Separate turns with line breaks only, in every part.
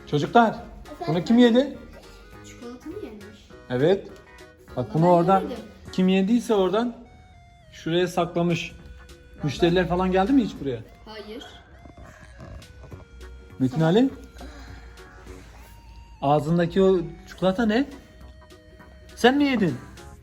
Çocuklar, bunu kim yedi?
Çikolata mı yemiş?
Evet. Bak bunu
Ben
oradan
yemedim.
kim yediyse oradan şuraya saklamış. Müşteriler falan geldi mi hiç buraya?
Hayır.
Metin Ali? Ağzındaki o çikolata ne? Sen mi yedin?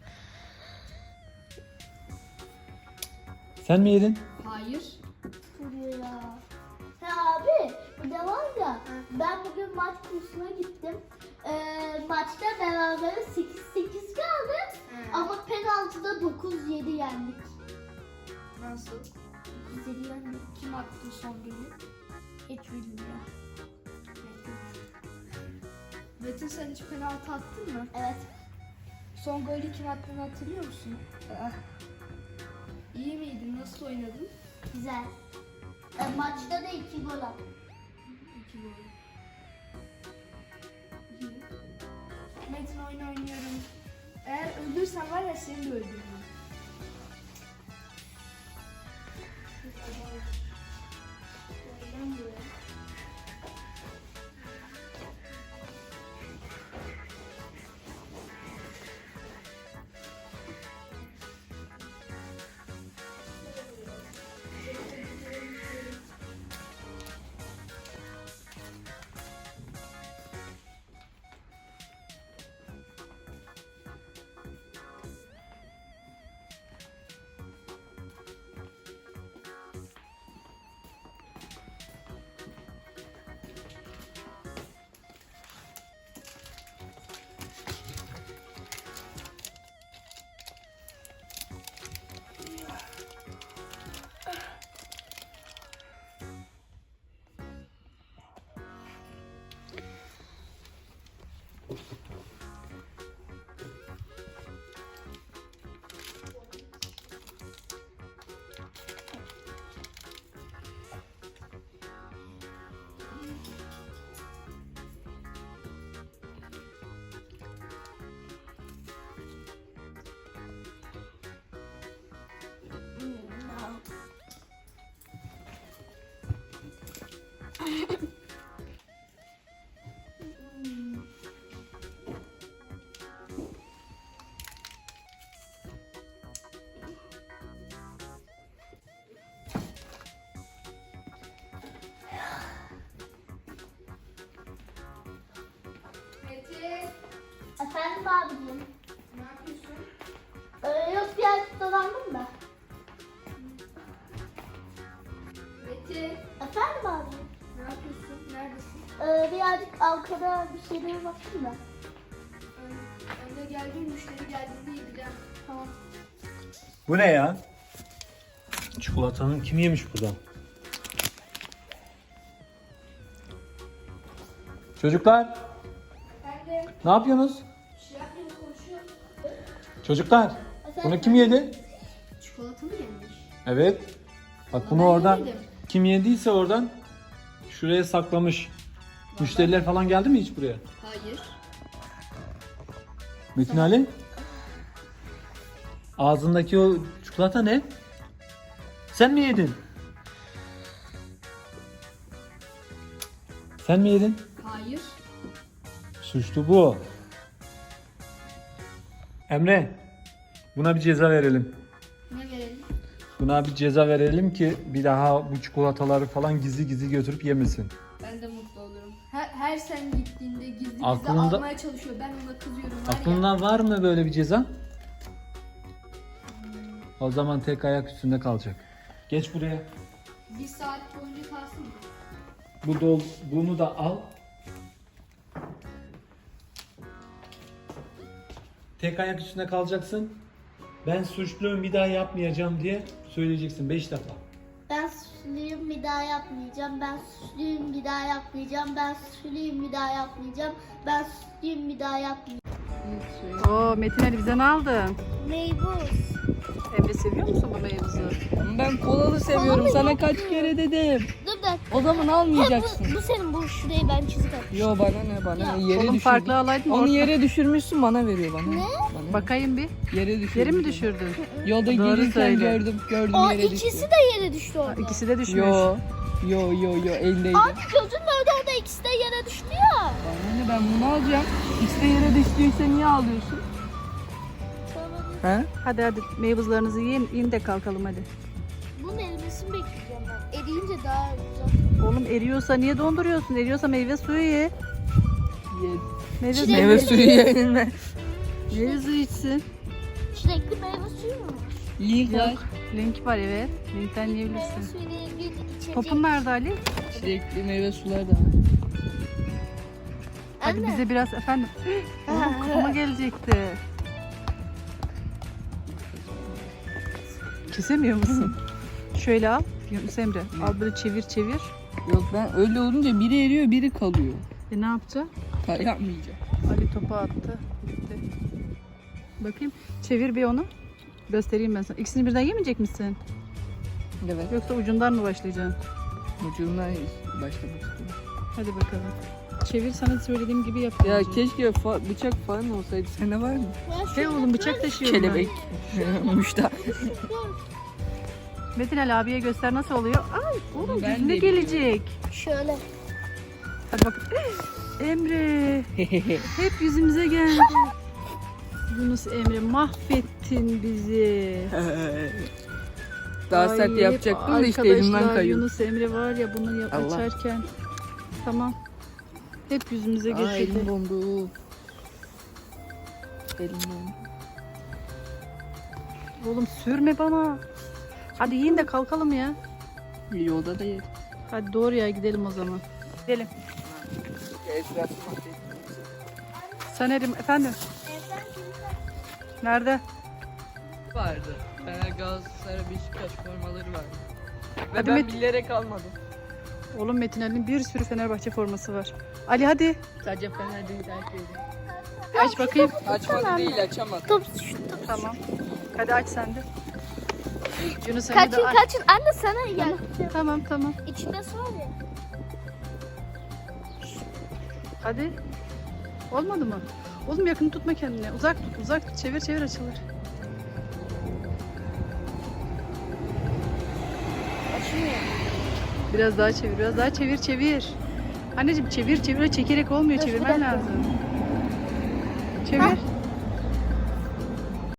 Sen mi yedin?
Hayır.
Vuruyor ya. Ha abi bir de var ya ben bugün maç kursuna gittim. Maçta beraber 8-8 kaldı ama penaltıda 9-7 yendik.
Nasıl?
9-7 yendik. Kim attı son golü? Hiç bilmiyorum.
Metin sen hiç penaltı attın mı?
Evet.
Son golü kim attığını hatırlıyor musun? İyi miydin? Nasıl oynadın?
Güzel. Maçta da 2 gol attım.
2 gol. İyi. Metin oyun oynuyorum. Eğer öldürsen var ya seni de öldürürüm. Metin,
Efendim abicim.
ne yapıyorsun?
Yok biraz dolandım da.
Metin,
Efendim abicim.
ne yapıyorsun? Neredesin?
Birazcık arkada bir şeylere baktım da.
Önde geldiğim müşteri geldiğinde yiyeceğim.
Tamam.
Bu ne ya? Çikolatanın kim yemiş buradan? Çocuklar,
Ben de
ne yapıyorsunuz?
bir şey yapmayayım konuşuyorum.
Çocuklar, bunu kim yedi?
Çikolata mı yemiş?
Evet. Bak bunu
Ben
oradan
yemedim.
kim yediyse oradan şuraya saklamış. Müşteriler falan geldi mi hiç buraya?
Hayır.
Metin Ali? Ağzındaki o çikolata ne? Sen mi yedin? Sen mi yedin?
Hayır.
Suçlu bu. Emre, buna bir ceza verelim.
Ne verelim?
Buna bir ceza verelim ki bir daha bu çikolataları falan gizli gizli götürüp yemesin.
Ben de mutlu olurum. Her sen gittiğinde gizli gizli
Aklında-
almaya çalışıyor. Ben ona kızıyorum var ya.
Aklında var mı böyle bir ceza? O zaman tek ayak üstünde kalacak. Geç buraya.
1 saat boyunca kalsın mı?
Bunu da al. Tek ayak üstünde kalacaksın. Ben suçluyum bir daha yapmayacağım diye söyleyeceksin 5 defa.
Ben suçluyum bir daha yapmayacağım. Ben suçluyum bir daha yapmayacağım. Ben suçluyum bir daha yapmayacağım. Ben suçluyum bir daha yapmayacağım.
Oo, Metin Ali bize ne aldın?
Meybuz.
Emre seviyor musun bu meyvuzu? Ben kolalı seviyorum. Sana kaç kere dedim.
Dur da.
O zaman almayacaksın.
Bu senin bu şurayı ben çizik atmışım.
Yo bana ne
Ya,
yere
Oğlum
düşürdün.
farklı alaydın
Onu
orta.
yere düşürmüşsün bana veriyor bana.
Ne?
Bana.
Bakayım bir.
Yere düşürdün.
Yeri mi düşürdün?
Yolda
Doğru
gelirken
söyle.
gördüm
O
yere düştü.
ikisi de yere düştü orada.
İkisi de düşmüş.
Yo eldeydi.
Abi gözünün orada de ikisi de yere düştü ya.
Anne ben bunu alacağım. İşte yere düştüyse niye ağlıyorsun? He?
Hadi meyvuzlarınızı yiyin de kalkalım hadi.
Bunun erimesini bekleyeceğim ben. Eriyince daha güzel.
Oğlum eriyorsa niye donduruyorsun? Eriyorsa meyve suyu ye.
Ye.
Çilekli.
Meyve suyu yenilme.
Meyve suyu içsin.
Çilekli meyve suyu mu?
Link var.
Link var evet. Linkten
Meyve
yiyebilirsin.
suyu diye bir içecek.
Topun nerede Ali?
Çilekli meyve sular da var.
Hadi
Anne.
bize biraz efendim. Oğlum kafama gelecekti. Kesemiyor musun? Şöyle al. Yunus Emre al böyle çevir çevir.
Yok ben öyle olunca biri eriyor biri kalıyor.
Ne yapacağım?
Yapmayacağım.
Ali topu attı. Gitti. Bakayım. Çevir bir onu. Göstereyim ben sana. İkisini birden yemeyecek misin?
Evet.
Yoksa ucundan mı başlayacaksın?
Ucundan başlamak istiyorum.
Hadi bakalım. Çevir sana söylediğim gibi yap.
Ya
bence.
keşke bıçak falan olsaydı. Sende var mı?
Hey oğlum bıçak taşıyorum
Kelebek. Muşta.
ben. Metin Ali abiye göster nasıl oluyor. Ay oğlum
Ben
yüzüne
de
gelecek.
Şöyle.
Hadi bak. Emre. Hep yüzümüze geldi. Yunus Emre mahvettin bizi.
Daha sert
Ay,
yapacaktım da işte
arkadaşlar,
elimden kayıyor.
Yunus Emre var ya bunu
Allah.
açarken. Tamam. Hep yüzümüze
Aa,
getirdi.
elim dondu. Elim dondu.
Oğlum sürme bana. Hadi yiyin de kalkalım ya.
Yolda da yedim.
Hadi doğru ya gidelim o zaman. Gidelim. Saner'im efendim. Nerede?
Vardı. Fener, Galatasaray, Beşiktaş formaları vardı. Ve
Hadi
ben
Met-
bilerek almadım.
Oğlum Metin Ali'nin bir sürü Fenerbahçe forması var. Ali hadi.
Sadece Fener değil herkes.
Aç bakayım.
Açmadı değil açamadı.
Top şu.
Tamam. Hadi aç sen de. Yunus Emre de
Kaçın
aç.
kaçın. Anne sana gel.
Tamam.
İçinde su var ya.
Hadi. Olmadı mı? Oğlum yakın tutma kendine. Uzak tut. Uzak tut. Çevir çevir açılır. Biraz daha çevir. Biraz daha çevir çevir. Anneciğim çevir çevir. Çekerek olmuyor.
Dur, bir
Çevirmen
dakika.
lazım. Çevir.